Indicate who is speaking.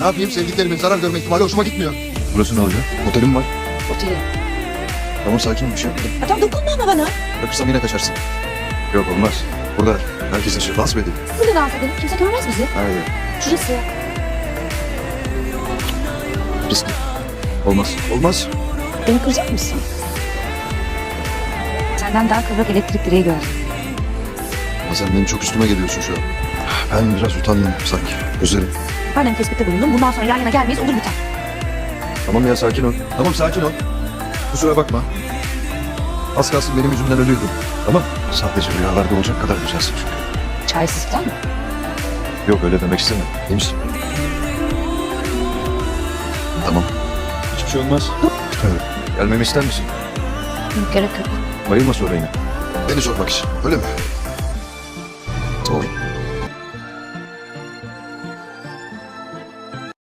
Speaker 1: Ne yapayım, sevdiklerimin zarar görme ihtimali hoşuma gitmiyor.
Speaker 2: Burası ne olacak? Otelim var.
Speaker 3: Oteli.
Speaker 2: Tamam sakin ol, bir şey yapmadım.
Speaker 3: Tamam dokunma ama bana.
Speaker 2: Bırakırsam yine kaçarsın. Yok olmaz. Burada herkes yaşıyor. Dans mı edeyim?
Speaker 3: Burada dans edelim. Kimse görmez bizi.
Speaker 2: Hayır.
Speaker 3: Şurası.
Speaker 2: Riskli. Olmaz. Olmaz.
Speaker 3: Beni kıracak mısın? Senden daha kıvrak elektrik direği gördüm.
Speaker 2: Ama sen benim çok üstüme geliyorsun şu an. Ben biraz utandım sanki. Özlerim.
Speaker 3: Halen tespitte bulundum. Bundan sonra yan yana gelmeyiz. Olur biter.
Speaker 2: Tamam ya sakin ol. Tamam sakin ol. Kusura bakma. Az kalsın benim yüzümden ölüyordun. Ama sadece rüyalarda olacak kadar güzelsin çünkü.
Speaker 3: Çaresizlik mi?
Speaker 2: Yok öyle demek istemem. İyi misin? Tamam. Hiçbir şey olmaz. Evet. Gelmemi ister misin?
Speaker 3: Yok gerek yok.
Speaker 2: Bayılma sonra yine.
Speaker 1: Beni sormak için, öyle mi?